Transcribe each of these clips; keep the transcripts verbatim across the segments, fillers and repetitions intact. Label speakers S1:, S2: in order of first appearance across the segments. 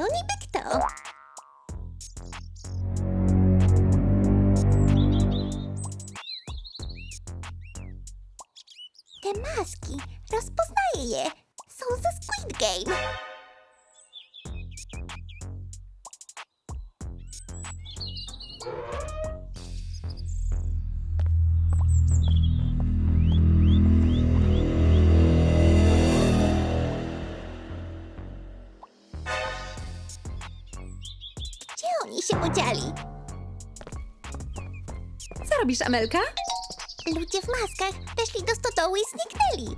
S1: niby kto? Te maski, rozpoznaję je. Są ze Squid Game. Gdzie oni się podzieli?
S2: Co robisz, Amelka?
S1: Ludzie w maskach weszli do stodoły i zniknęli.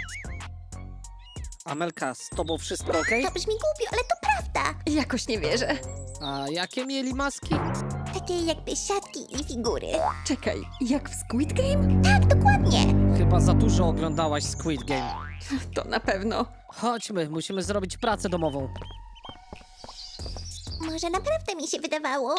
S3: Amelka, z tobą wszystko okej?
S1: To brzmi głupio, ale to prawda.
S2: Jakoś nie wierzę.
S3: A jakie mieli maski?
S1: Takie jakby siatki i figury.
S2: Czekaj, jak w Squid Game?
S1: Tak, dokładnie.
S3: Chyba za dużo oglądałaś Squid Game.
S2: To na pewno.
S3: Chodźmy, musimy zrobić pracę domową.
S1: Może naprawdę mi się wydawało.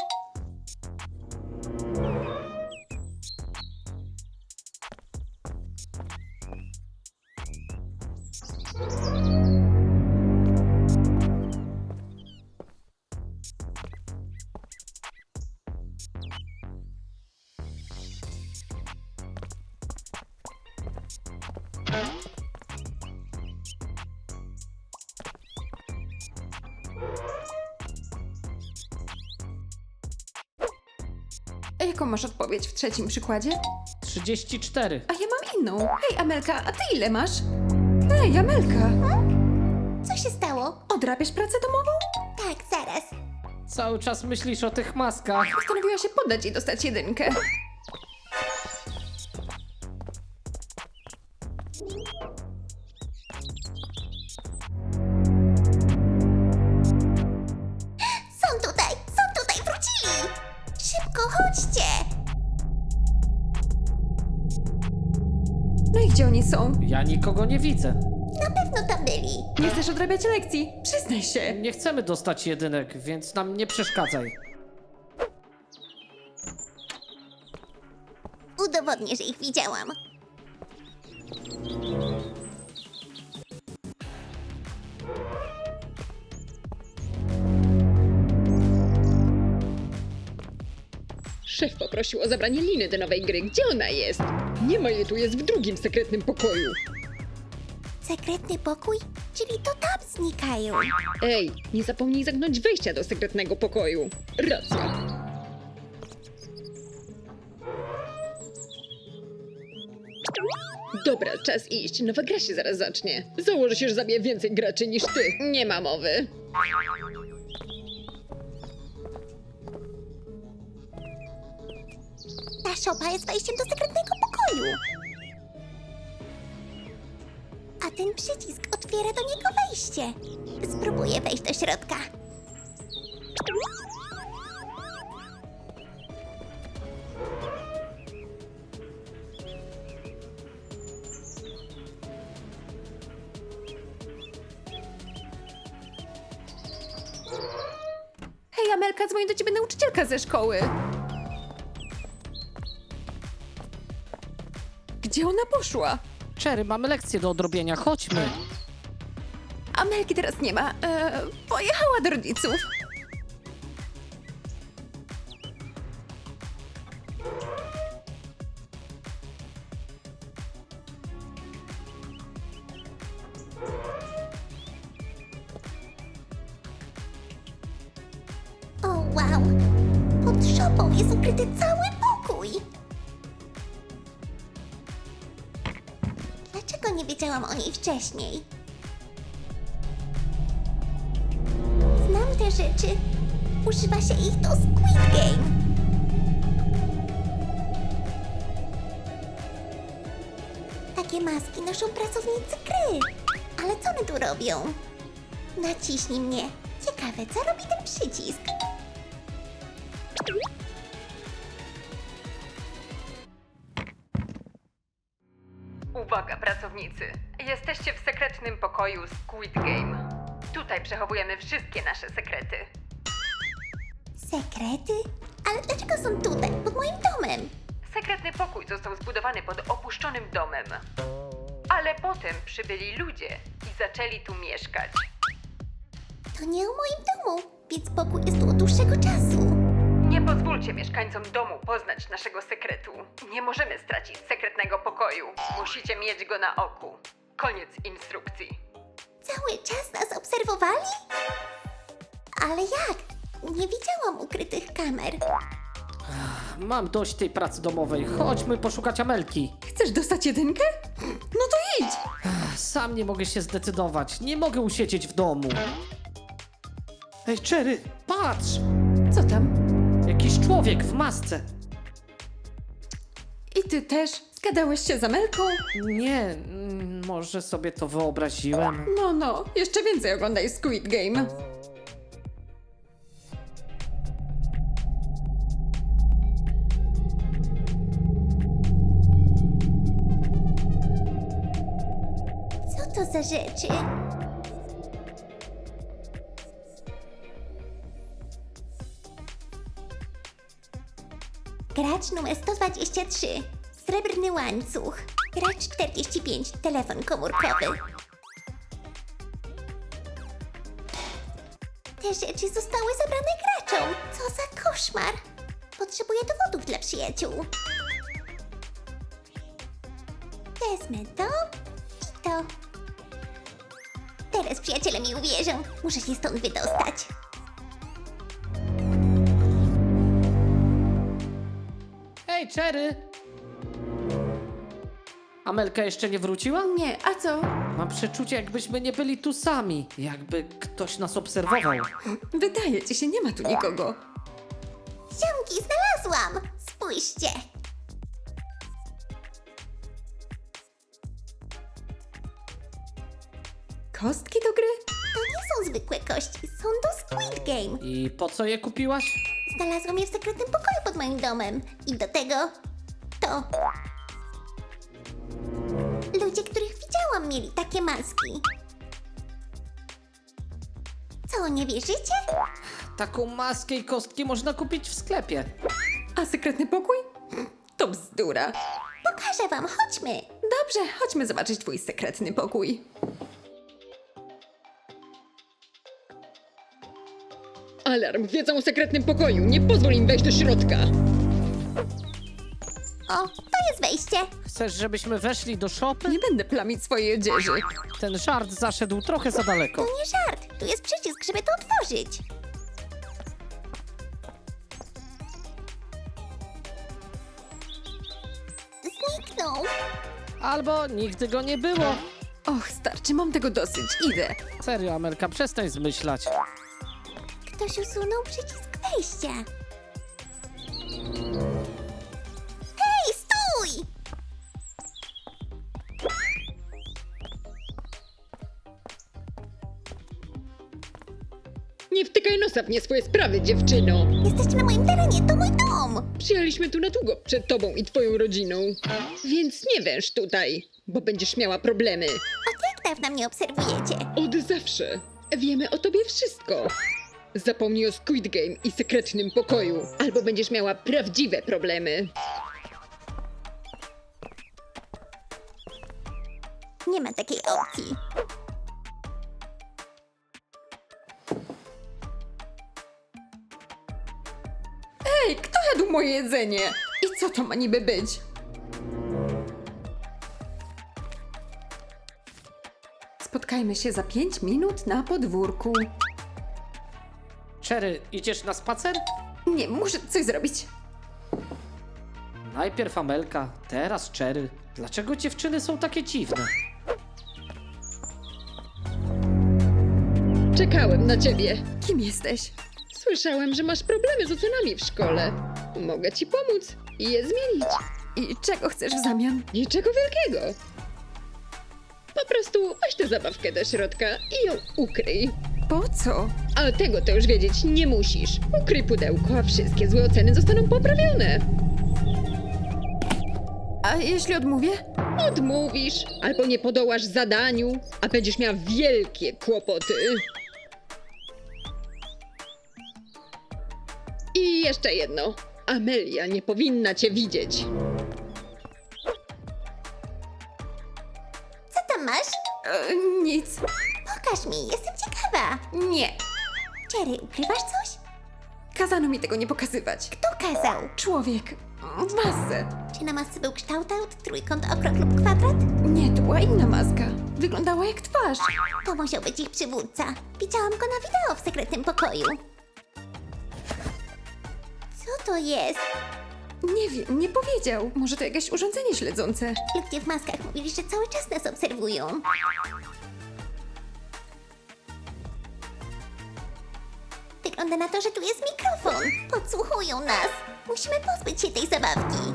S2: A jaką masz odpowiedź w trzecim przykładzie?
S3: trzydzieści cztery.
S2: A ja mam inną. Hej, Amelka, a ty ile masz? Hej, Amelka,
S1: Co się stało?
S2: odrabiasz pracę domową?
S1: Tak, zaraz.
S3: Cały czas myślisz o tych maskach.
S2: Postanowiła się poddać i dostać jedynkę.
S1: Są tutaj, są tutaj, wrócili! Szybko, chodźcie!
S2: No i gdzie oni są?
S3: Ja nikogo nie widzę.
S1: Na pewno tam byli.
S2: Nie chcesz odrabiać lekcji? Przyznaj się.
S3: Nie chcemy dostać jedynek, więc nam nie przeszkadzaj.
S1: Udowodnię, że ich widziałam.
S4: Szef poprosił o zabranie liny do nowej gry. Gdzie ona jest? Nie ma jej tu, jest w drugim sekretnym pokoju.
S1: Sekretny pokój? Czyli to tam znikają.
S4: Ej, nie zapomnij zamknąć wejścia do sekretnego pokoju. Racja. Dobra, czas iść. Nowa gra się zaraz zacznie. Założę się, że zabiję więcej graczy niż ty. Nie ma mowy.
S1: Ta szopa jest wejściem do sekretnego pokoju. A ten przycisk otwiera do niego wejście. Spróbuję wejść do środka.
S2: Hej, Amelka, dzwoni do ciebie nauczycielka ze szkoły. Gdzie ona poszła?
S3: Cherry, mamy lekcję do odrobienia, chodźmy.
S2: Amelki teraz nie ma. E, pojechała do rodziców.
S1: O, wow! Pod szopą jest ukryty cały pokój! Dlaczego nie wiedziałam o niej wcześniej? Znam te rzeczy. Używa się ich do Squid Game. Takie maski noszą pracownicy gry. Ale co one tu robią? Naciśnij mnie. Ciekawe, co robi ten przycisk?
S2: Uwaga, pracownicy! Jesteście w sekretnym pokoju Squid Game. Tutaj przechowujemy wszystkie nasze sekrety.
S1: Sekrety? Ale dlaczego są tutaj, pod moim domem?
S2: Sekretny pokój został zbudowany pod opuszczonym domem. Ale potem przybyli ludzie i zaczęli tu mieszkać.
S1: To nie o moim domu, więc pokój jest tu od dłuższego czasu.
S2: Nie pozwólcie mieszkańcom domu poznać naszego sekretu. Nie możemy stracić sekretnego pokoju. Musicie mieć go na oku. Koniec instrukcji.
S1: Cały czas nas obserwowali? Ale jak? Nie widziałam ukrytych kamer.
S3: Mam dość tej pracy domowej. Chodźmy poszukać Amelki.
S4: Chcesz dostać jedynkę? No to idź!
S3: Sam nie mogę się zdecydować. Nie mogę usiedzieć w domu. Ej, Cherry, patrz!
S4: Co tam?
S3: Jakiś człowiek w masce.
S4: I ty też? Zgadałeś się z Amelką?
S3: Nie, mm, może sobie to wyobraziłem.
S4: No, no, jeszcze więcej oglądaj Squid Game.
S1: Co to za rzeczy? Gracz numer sto dwadzieścia trzy. Srebrny łańcuch. Gracz czterdzieści pięć. Telefon komórkowy. Te rzeczy zostały zabrane graczom. Co za koszmar. Potrzebuję dowodów dla przyjaciół. Wezmę to i to. Teraz przyjaciele mi uwierzą. Muszę się stąd wydostać.
S3: Hej, Cherry! Amelka jeszcze nie wróciła?
S4: Nie, a co?
S3: Mam przeczucie, jakbyśmy nie byli tu sami. Jakby ktoś nas obserwował.
S4: Wydaje ci się, nie ma tu nikogo.
S1: Ziomki, znalazłam! Spójrzcie!
S4: Kostki do gry?
S1: To nie są zwykłe kości, są do Squid Game.
S3: I po co je kupiłaś?
S1: Znalazłam je w sekretnym pokoju pod moim domem. I do tego to. Ludzie, których widziałam, mieli takie maski. Co, nie wierzycie?
S3: Taką maskę i kostki można kupić w sklepie.
S4: A sekretny pokój? To bzdura.
S1: Pokażę wam, chodźmy.
S4: Dobrze, chodźmy zobaczyć twój sekretny pokój. Alarm! Wiedzą o sekretnym pokoju! Nie pozwól im wejść do środka!
S1: O, to jest wejście.
S3: Chcesz, żebyśmy weszli do szopy?
S4: Nie będę plamić swojej odzieży.
S3: Ten żart zaszedł trochę za daleko.
S1: To nie żart, tu jest przycisk, żeby to otworzyć. Zniknął.
S3: Albo nigdy go nie było.
S4: Och, starczy, mam tego dosyć. Idę.
S3: Serio, Amelka, przestań zmyślać.
S1: Ktoś usunął przycisk wejścia. Hej, stój!
S4: Nie wtykaj nosa w nie swoje sprawy, dziewczyno!
S1: Jesteście na moim terenie, to mój dom!
S4: Przyjechaliśmy tu na długo przed tobą i twoją rodziną. Więc nie węż tutaj, bo będziesz miała problemy.
S1: Od jak dawna mnie obserwujecie?
S4: Od zawsze. Wiemy o tobie wszystko. Zapomnij o Squid Game i sekretnym pokoju, albo będziesz miała prawdziwe problemy.
S1: Nie ma takiej opcji.
S4: Ej, kto jadł moje jedzenie? I co to ma niby być? Spotkajmy się za pięć minut na podwórku.
S3: Cherry, idziesz na spacer?
S4: Nie, muszę coś zrobić.
S3: Najpierw Amelka, teraz Cherry. Dlaczego dziewczyny są takie dziwne?
S4: Czekałem na ciebie. Kim jesteś? Słyszałem, że masz problemy z ocenami w szkole. Mogę ci pomóc i je zmienić. I czego chcesz w zamian? Niczego wielkiego. Po prostu weź tę zabawkę do środka i ją ukryj. Po co? A tego to już wiedzieć nie musisz. Ukryj pudełko, a wszystkie złe oceny zostaną poprawione. A jeśli odmówię? Odmówisz, albo nie podołasz zadaniu, a będziesz miała wielkie kłopoty. I jeszcze jedno. Amelia nie powinna cię widzieć.
S1: Co tam masz?
S4: E, nic.
S1: Pokaż mi, jestem ciekawa.
S4: Nie.
S1: Cherry, ukrywasz coś?
S4: Kazano mi tego nie pokazywać.
S1: Kto kazał?
S4: Człowiek w masce.
S1: Czy na masce był kształt, trójkąt, okrąg lub kwadrat?
S4: Nie, to była inna maska. Wyglądała jak twarz.
S1: To musiał być ich przywódca. Widziałam go na wideo w sekretnym pokoju. Co to jest?
S4: Nie wiem, nie powiedział. Może to jakieś urządzenie śledzące.
S1: Ludzie w maskach mówili, że cały czas nas obserwują. Wygląda na to, że tu jest mikrofon. Podsłuchują nas. Musimy pozbyć się tej zabawki.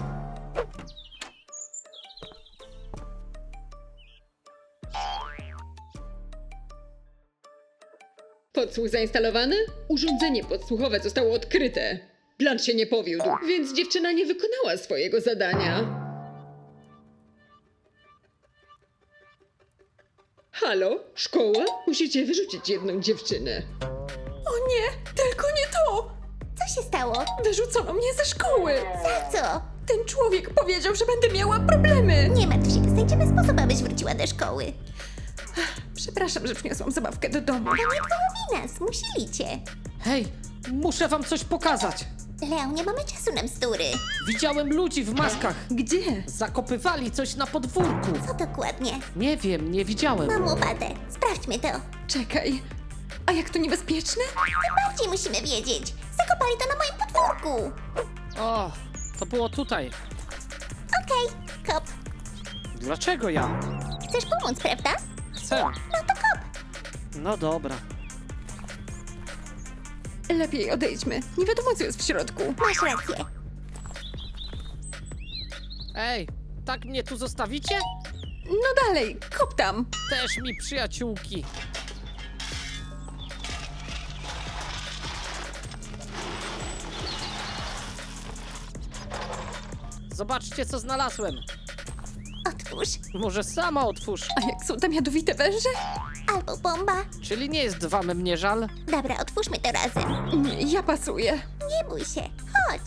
S4: Podsłuch zainstalowany? Urządzenie podsłuchowe zostało odkryte. Plan się nie powiódł, więc dziewczyna nie wykonała swojego zadania. Halo? Szkoła? Musicie wyrzucić jedną dziewczynę. O nie, tylko nie to!
S1: Co się stało?
S4: Wyrzucono mnie ze szkoły!
S1: Za co?
S4: Ten człowiek powiedział, że będę miała problemy!
S1: Nie martw się, znajdziemy sposób, abyś wróciła do szkoły.
S4: Przepraszam, że przyniosłam zabawkę do domu.
S1: To nie twoja wina, zmusili cię.
S3: Hej, muszę wam coś pokazać.
S1: Leo, nie mamy czasu na bzdury.
S3: Widziałem ludzi w maskach.
S4: Gdzie?
S3: Zakopywali coś na podwórku.
S1: Co dokładnie?
S3: Nie wiem, nie widziałem.
S1: Mam łopatę. Sprawdźmy to.
S4: Czekaj. A jak to niebezpieczne?
S1: Tym bardziej musimy wiedzieć. Zakopali to na moim podwórku.
S3: O, to było tutaj.
S1: Okej, kop.
S3: Dlaczego ja?
S1: Chcesz pomóc, prawda?
S3: Chcę.
S1: No to kop.
S3: No dobra.
S4: Lepiej odejdźmy. Nie wiadomo, co jest w środku.
S1: Masz rację.
S3: Ej, tak mnie tu zostawicie?
S4: No dalej, kop tam.
S3: Też mi przyjaciółki. Zobaczcie, co znalazłem.
S1: Otwórz.
S3: Może sama otwórz.
S4: A jak są tam jadowite węże?
S1: Albo bomba.
S3: Czyli nie jest wam mnie żal?
S1: Dobra, otwórzmy to razem.
S4: Nie, ja pasuję.
S1: Nie bój się. Chodź.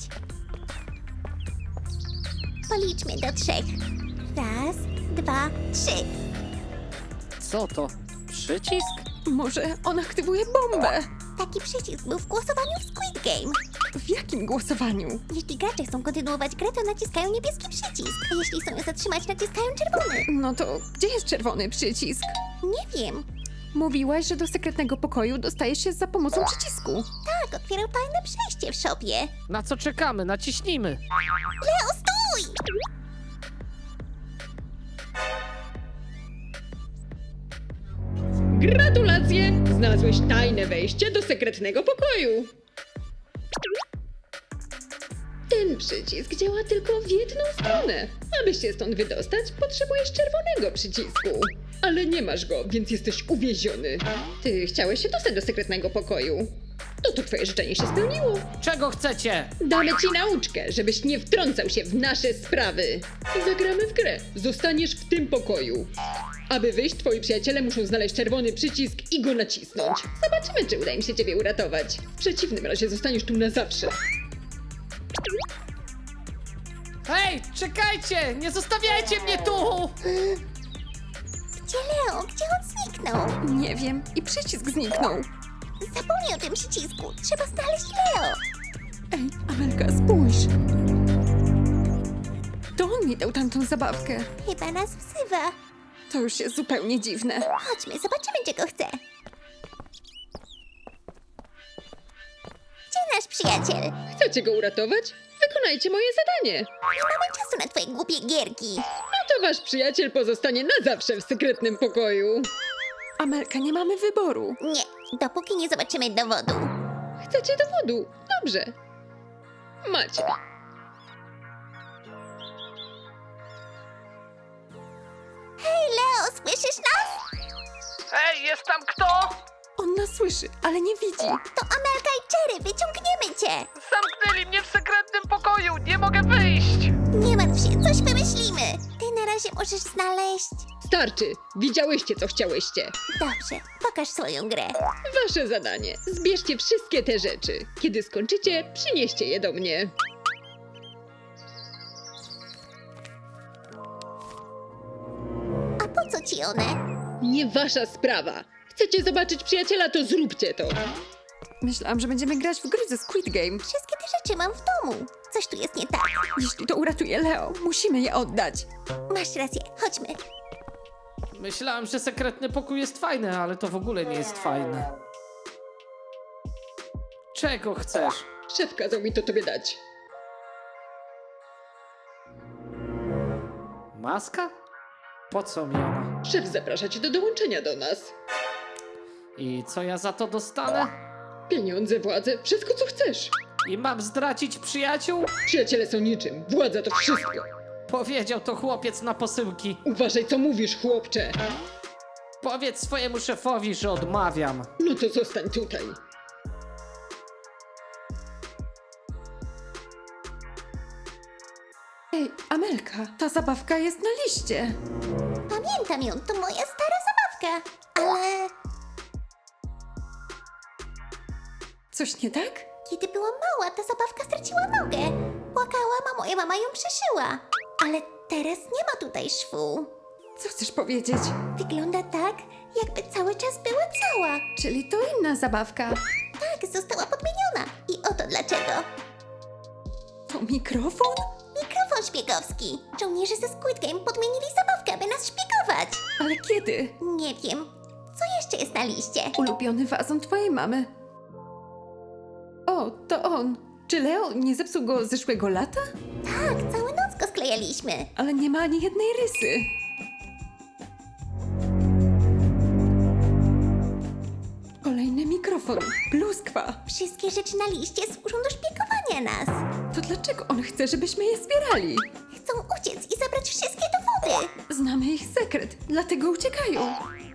S1: Policzmy do trzech. Raz, dwa, trzy.
S3: Co to? Przycisk?
S4: Może on aktywuje bombę?
S1: Taki przycisk był w głosowaniu w Squid Game.
S4: W jakim głosowaniu?
S1: Jeśli gracze chcą kontynuować grę, to naciskają niebieski przycisk. A jeśli chcą ją zatrzymać, naciskają czerwony.
S4: No to gdzie jest czerwony przycisk?
S1: Nie wiem.
S4: Mówiłaś, że do sekretnego pokoju dostajesz się za pomocą przycisku.
S1: Tak, otwierał tajne przejście w szopie.
S3: Na co czekamy? Naciśnijmy.
S1: Leo, stój!
S4: Gratulacje! Znalazłeś tajne wejście do sekretnego pokoju. Ten przycisk działa tylko w jedną stronę. Aby się stąd wydostać, potrzebujesz czerwonego przycisku. Ale nie masz go, więc jesteś uwieziony. Ty chciałeś się dostać do sekretnego pokoju. No to twoje życzenie się spełniło.
S3: Czego chcecie?
S4: Damy ci nauczkę, żebyś nie wtrącał się w nasze sprawy. Zagramy w grę. Zostaniesz w tym pokoju. Aby wyjść, twoi przyjaciele muszą znaleźć czerwony przycisk i go nacisnąć. Zobaczymy, czy uda im się ciebie uratować. W przeciwnym razie zostaniesz tu na zawsze.
S3: Hej, czekajcie! Nie zostawiajcie mnie tu!
S1: Gdzie Leo? Gdzie on zniknął?
S4: Nie wiem. I przycisk zniknął.
S1: Zapomnij o tym przycisku. Trzeba znaleźć Leo.
S4: Ej, Amelka, spójrz. To on mi dał tamtą zabawkę.
S1: Chyba nas wzywa.
S4: To już jest zupełnie dziwne.
S1: Chodźmy, zobaczymy, czego chce. Gdzie nasz przyjaciel?
S4: Chcecie go uratować? Wykonajcie moje zadanie.
S1: Nie mamy czasu na twoje głupie gierki.
S4: No to wasz przyjaciel pozostanie na zawsze w sekretnym pokoju. Amelka, nie mamy wyboru.
S1: Nie, dopóki nie zobaczymy dowodu.
S4: Chcecie dowodu? Dobrze. Macie.
S1: Hej, Leo, słyszysz nas?
S3: Hej, jest tam kto?
S4: On nas słyszy, ale nie widzi.
S1: To Amelka i Cherry, wyciągniemy cię.
S3: Zamknęli mnie w sekretnym pokoju, nie mogę wyjść!
S1: Nie martw się, coś wymyślimy. Ty na razie możesz znaleźć...
S4: Starczy. Widziałyście, co chciałyście.
S1: Dobrze, pokaż swoją grę.
S4: Wasze zadanie. Zbierzcie wszystkie te rzeczy. Kiedy skończycie, przynieście je do mnie.
S1: A po co ci one?
S4: Nie wasza sprawa. Chcecie zobaczyć przyjaciela, to zróbcie to. Myślałam, że będziemy grać w gry ze Squid Game.
S1: Wszystkie te rzeczy mam w domu. Coś tu jest nie tak.
S4: Jeśli to uratuje Leo, musimy je oddać.
S1: Masz rację, chodźmy.
S3: Myślałem, że sekretny pokój jest fajny, ale to w ogóle nie jest fajne. Czego chcesz?
S4: Szef kazał mi to tobie dać.
S3: Maska? Po co mi ona?
S4: Szef zaprasza cię do dołączenia do nas.
S3: I co ja za to dostanę?
S4: Pieniądze, władzę, wszystko co chcesz.
S3: I mam zdradzić przyjaciół?
S4: Przyjaciele są niczym, władza to wszystko.
S3: Powiedział to chłopiec na posyłki.
S4: Uważaj co mówisz, chłopcze.
S3: Powiedz swojemu szefowi, że odmawiam.
S4: No to zostań tutaj. Ej, Amelka, ta zabawka jest na liście.
S1: Pamiętam ją, to moja stara zabawka. Ale
S4: Coś nie tak?
S1: kiedy byłam mała, ta zabawka straciła nogę. Płakałam, a moja mama ją przyszyła. Ale teraz nie ma tutaj szwu.
S4: Co chcesz powiedzieć?
S1: Wygląda tak, jakby cały czas była cała.
S4: Czyli to inna zabawka.
S1: Tak, została podmieniona. I oto dlaczego.
S4: To mikrofon?
S1: Mikrofon szpiegowski. Żołnierze ze Squid Game podmienili zabawkę, aby nas szpiegować.
S4: Ale kiedy?
S1: Nie wiem. Co jeszcze jest na liście?
S4: Ulubiony wazon twojej mamy. O, to on. Czy Leo nie zepsuł go zeszłego lata?
S1: Tak, całą noc go sklejaliśmy.
S4: Ale nie ma ani jednej rysy. Kolejny mikrofon. Pluskwa.
S1: Wszystkie rzeczy na liście służą do szpiegowania nas.
S4: To dlaczego on chce, żebyśmy je zbierali?
S1: Chcą uciec i zabrać wszystkie dowody.
S4: Znamy ich sekret, dlatego uciekają.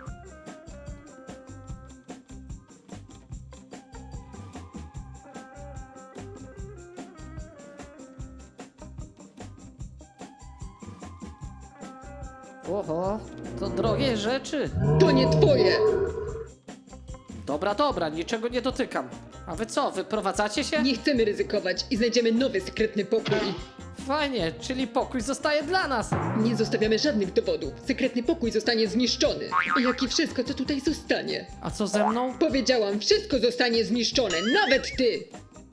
S3: Oho, to drogie rzeczy.
S4: To nie twoje!
S3: Dobra, dobra, niczego nie dotykam. A wy co, wyprowadzacie się?
S4: Nie chcemy ryzykować i znajdziemy nowy sekretny pokój.
S3: Fajnie, czyli pokój zostaje dla nas.
S4: Nie zostawiamy żadnych dowodów. Sekretny pokój zostanie zniszczony. Jak i wszystko, co tutaj zostanie.
S3: A co ze mną?
S4: Powiedziałam, wszystko zostanie zniszczone, nawet ty!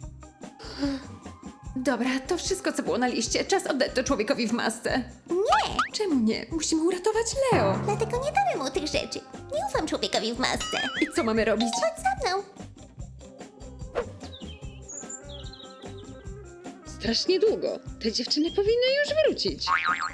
S4: Dobra, to wszystko, co było na liście. Czas oddać to człowiekowi w masce.
S1: Nie,
S4: Czemu nie? Musimy uratować Leo.
S1: dlatego nie damy mu tych rzeczy. Nie ufam człowiekowi w masce.
S4: I co mamy robić?
S1: Chodź za mną.
S4: Strasznie długo. Te dziewczyny powinny już wrócić.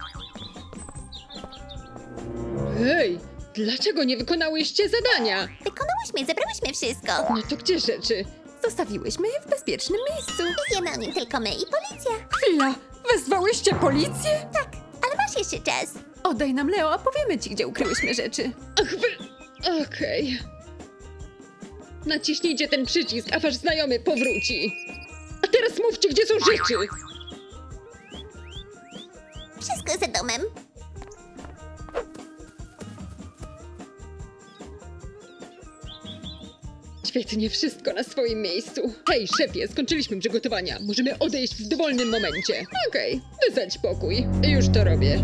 S4: Hej, dlaczego nie wykonałyście zadania?
S1: Wykonałyśmy, zebrałyśmy wszystko.
S4: No to gdzie rzeczy? Zostawiłyśmy je w bezpiecznym miejscu.
S1: Wiemy o nim tylko my i policja.
S4: Chwila, wezwałyście policję?
S1: Tak, ale masz jeszcze czas.
S4: Oddaj nam Leo, a powiemy ci, gdzie ukryłyśmy rzeczy. Ach, wy... Okej. Naciśnijcie ten przycisk, a wasz znajomy powróci. A teraz mówcie, gdzie są rzeczy.
S1: Wszystko za domem.
S4: Świetnie, wszystko na swoim miejscu. Hej, szefie, skończyliśmy przygotowania. Możemy odejść w dowolnym momencie. Okej, wysadź pokój. Już to robię.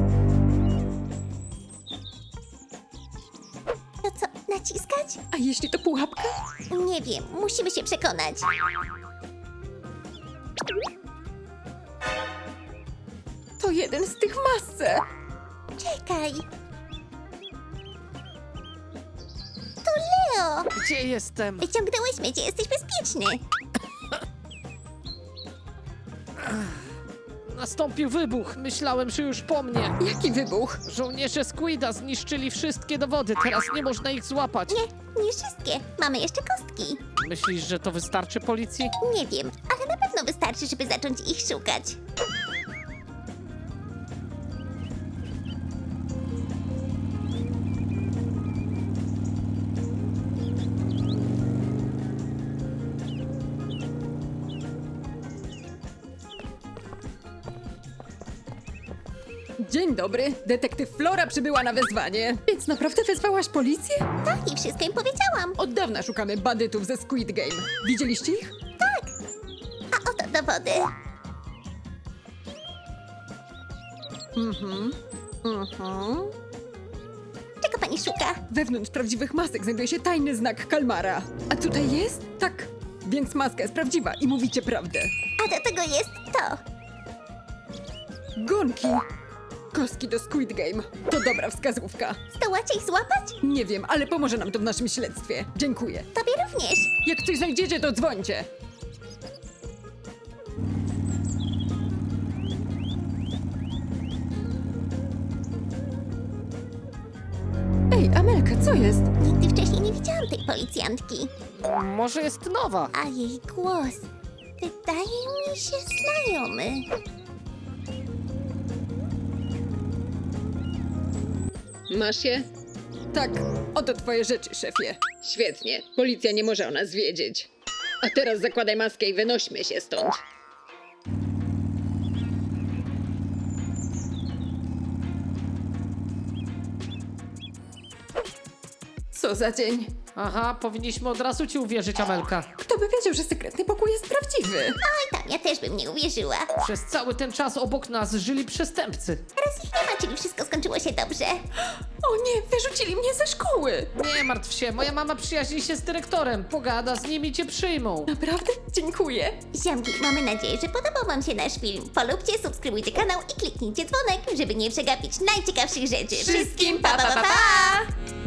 S1: To co, naciskać?
S4: A jeśli to pułapka?
S1: Nie wiem, musimy się przekonać.
S4: To jeden z tych w masce.
S1: Czekaj. To Leo!
S3: Gdzie jestem?
S1: Wyciągnęłyśmy cię, jesteś bezpieczny.
S3: Nastąpił wybuch. Myślałem, że już po mnie.
S4: Jaki wybuch?
S3: Żołnierze Squida zniszczyli wszystkie dowody. Teraz nie można ich złapać.
S1: Nie, nie wszystkie. Mamy jeszcze kostki.
S3: Myślisz, że to wystarczy policji?
S1: Nie wiem, ale na pewno wystarczy, żeby zacząć ich szukać.
S4: Dzień dobry, detektyw Flora przybyła na wezwanie. Więc naprawdę wezwałaś policję?
S1: Tak, i wszystko im powiedziałam.
S4: Od dawna szukamy bandytów ze Squid Game. Widzieliście ich?
S1: A oto dowody.
S4: Mhm. Mhm.
S1: Czego pani pani szuka?
S4: Wewnątrz prawdziwych masek znajduje się tajny znak kalmara. A tutaj jest? Tak. Więc maska jest prawdziwa i mówicie prawdę.
S1: A do tego jest to.
S4: Gonki. Kostki do Squid Game. To dobra wskazówka.
S1: Zdołacie ich złapać?
S4: Nie wiem, ale pomoże nam to w naszym śledztwie. Dziękuję.
S1: Tobie również.
S4: Jak coś znajdziecie, to dzwońcie. Ej, Amelka, co jest?
S1: Nigdy wcześniej nie widziałam tej policjantki.
S3: Może jest nowa.
S1: A jej głos wydaje mi się znajomy.
S4: Masz je? Tak, oto twoje rzeczy, szefie. Świetnie, policja nie może o nas wiedzieć. A teraz zakładaj maskę i wynośmy się stąd. Co za dzień?
S3: Aha, powinniśmy od razu ci uwierzyć, Amelka.
S4: Kto by wiedział, że sekretny pokój jest prawdziwy?
S1: Oj tam, ja też bym nie uwierzyła.
S3: Przez cały ten czas obok nas żyli przestępcy.
S1: Teraz ich nie ma, czyli wszystko skończyło się dobrze.
S4: O nie, wyrzucili mnie ze szkoły!
S3: Nie martw się, moja mama przyjaźni się z dyrektorem. Pogada z nimi, cię przyjmą.
S4: Naprawdę? Dziękuję.
S1: Ziomki, mamy nadzieję, że podobał wam się nasz film. Polubcie, subskrybujcie kanał i kliknijcie dzwonek, żeby nie przegapić najciekawszych rzeczy.
S4: Wszystkim pa, pa, pa, pa!